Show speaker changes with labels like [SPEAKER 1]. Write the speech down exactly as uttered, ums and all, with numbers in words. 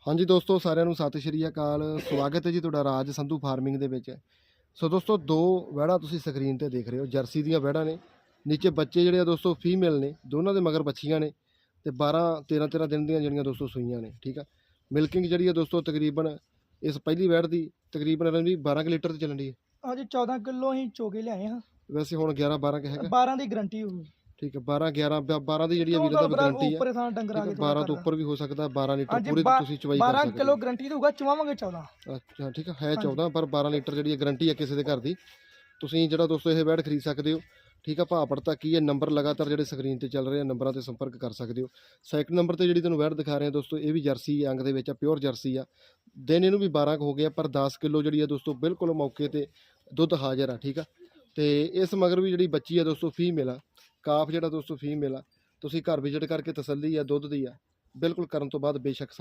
[SPEAKER 1] ਹਾਂਜੀ ਦੋਸਤੋ, ਸਾਰਿਆਂ ਨੂੰ ਸਤਿ ਸ਼੍ਰੀ ਅਕਾਲ। ਸਵਾਗਤ ਹੈ ਜੀ ਤੁਹਾਡਾ ਰਾਜ ਸੰਧੂ ਫਾਰਮਿੰਗ ਦੇ ਵਿੱਚ। ਸੋ ਦੋਸਤੋ, ਦੋ ਵਹਿੜਾਂ ਤੁਸੀਂ ਸਕਰੀਨ ਤੇ ਦੇਖ ਰਹੇ ਹੋ, ਜਰਸੀ ਦੀਆਂ ਵਹਿੜਾਂ ਨੇ। ਨੀਚੇ ਬੱਚੇ ਜਿਹੜੇ ਆ ਦੋਸਤੋ ਫੀਮੇਲ ਨੇ, ਦੋਨਾਂ ਦੇ ਮਗਰ ਬੱਚੀਆਂ ਨੇ ਤੇ ਬਾਰਾਂ ਤੇਰਾਂ ਤੇਰਾਂ ਦਿਨ ਦੀਆਂ ਜਿਹੜੀਆਂ ਦੋਸਤੋ ਸੂਈਆਂ ਨੇ। ਠੀਕ ਆ, ਮਿਲਕਿੰਗ ਜਿਹੜੀ ਆ ਦੋਸਤੋ ਤਕਰੀਬਨ ਇਸ ਪਹਿਲੀ ਵਹਿੜ ਦੀ ਤਕਰੀਬਨ ਰਣਜੀਤ ਬਾਰਾਂ ਕੁ ਲੀਟਰ ਤੇ ਚੱਲਣ ਦੀ ਹੈ।
[SPEAKER 2] ਹਾਂਜੀ ਚੌਦਾਂ ਕਿਲੋ ਅਸੀਂ ਚੋ ਕੇ ਲਿਆਏ ਹਾਂ।
[SPEAKER 1] ਵੈਸੇ ਹੁਣ ਗਿਆਰਾਂ ਬਾਰਾਂ ਕੁ ਹੈਗਾ।
[SPEAKER 2] ਬਾਰਾਂ ਦੀ ਗਰੰਟੀ ਹੋਊਗੀ।
[SPEAKER 1] ਠੀਕ ਹੈ, ਬਾਰਾਂ ਗਿਆਰਾਂ ਬਾਰਾਂ ਦੀ ਜਿਹੜੀ ਆ
[SPEAKER 2] ਉਹ
[SPEAKER 1] ਵੀਰੇ ਦਾ
[SPEAKER 2] ਤਾਂ
[SPEAKER 1] ਗਰੰਟੀ ਆ।
[SPEAKER 2] ਉੱਪਰ ਥਾਂ ਡੰਗਰ ਆ
[SPEAKER 1] ਠੀਕ
[SPEAKER 2] ਕੇ
[SPEAKER 1] ਹੈ,
[SPEAKER 2] ਥੋੜਾ
[SPEAKER 1] ਬਾਰਾਂ ਤੋਂ
[SPEAKER 2] ਕਰਦਾ।
[SPEAKER 1] ਉੱਪਰ ਵੀ ਹੋ ਸਕਦਾ, ਬਾਰਾਂ ਲੀਟਰ
[SPEAKER 2] ਹਾਂਜੀ
[SPEAKER 1] ਪੂਰੇ ਦੀ ਤੁਸੀਂ ਚਵਾਈ ਕਰ
[SPEAKER 2] ਬਾਰਾਂ
[SPEAKER 1] ਸਕਦੇ
[SPEAKER 2] ਕਿਲੋ
[SPEAKER 1] ਹੋ।
[SPEAKER 2] ਗਰੰਟੀ ਦਊਗਾ, ਚਵਾਵਾਂਗੇ ਚੌਦਾਂ।
[SPEAKER 1] ਅੱਛਾ ਠੀਕ ਹੈ, ਹੈ ਚੌਦਾਂ ਪਰ ਬਾਰਾਂ ਲੀਟਰ ਜਿਹੜੀ ਗਰੰਟੀ ਹੈ ਕਿਸੇ ਦੇ ਘਰ ਦੀ। ਤੁਸੀਂ ਜਿਹੜਾ ਦੋਸਤੋ ਇਹ ਵੈੜ ਖਰੀਦ ਸਕਦੇ ਹੋ। ਠੀਕ ਆ, ਭਾਅ ਪੜਤਾ ਕੀ ਹੈ, ਨੰਬਰ ਲਗਾਤਾਰ ਜਿਹੜੇ ਸਕਰੀਨ ਤੇ ਚੱਲ ਰਹੇ ਆ, ਨੰਬਰਾਂ ਤੇ ਸੰਪਰਕ ਕਰ ਸਕਦੇ ਹੋ। ਸੈਕਿੰਡ ਨੰਬਰ ਤੇ ਜਿਹੜੀ ਤੁਹਾਨੂੰ ਵੈੜ ਦਿਖਾ ਰਹੇ ਆ ਦੋਸਤੋ, ਇਹ ਵੀ ਜਰਸੀ ਅੰਗ ਦੇ ਵਿੱਚ ਆ, ਪਿਓਰ ਜਰਸੀ ਆ। ਦਿਨ ਇਹਨੂੰ ਵੀ ਬਾਰਾਂ ਕੁ ਹੋ ਗਿਆ, ਪਰ ਦਸ ਕਿਲੋ ਜਿਹੜੀ ਆ ਦੋਸਤੋ ਬਿਲਕੁਲ ਮੌਕੇ ਤੇ ਦੁੱਧ ਹਾਜ਼ਰ ਆ। ਠੀਕ ਆ, ਤੇ ਇਸ ਮਗਰ ਵੀ ਜਿਹੜੀ ਬੱਚੀ ਆ ਦੋਸਤੋ ਫੀਮੇਲ ਆ, ਕਾਫ ਜਿਹੜਾ ਦੋਸਤੋ ਫੀਮੇਲ ਆ। ਤੁਸੀਂ ਘਰ ਵਿਜ਼ਿਟ ਕਰਕੇ ਤਸੱਲੀ ਆ ਦੁੱਧ ਦੀ ਆ ਬਿਲਕੁਲ ਕਰਨ ਤੋਂ ਬਾਅਦ ਬੇਸ਼ੱਕ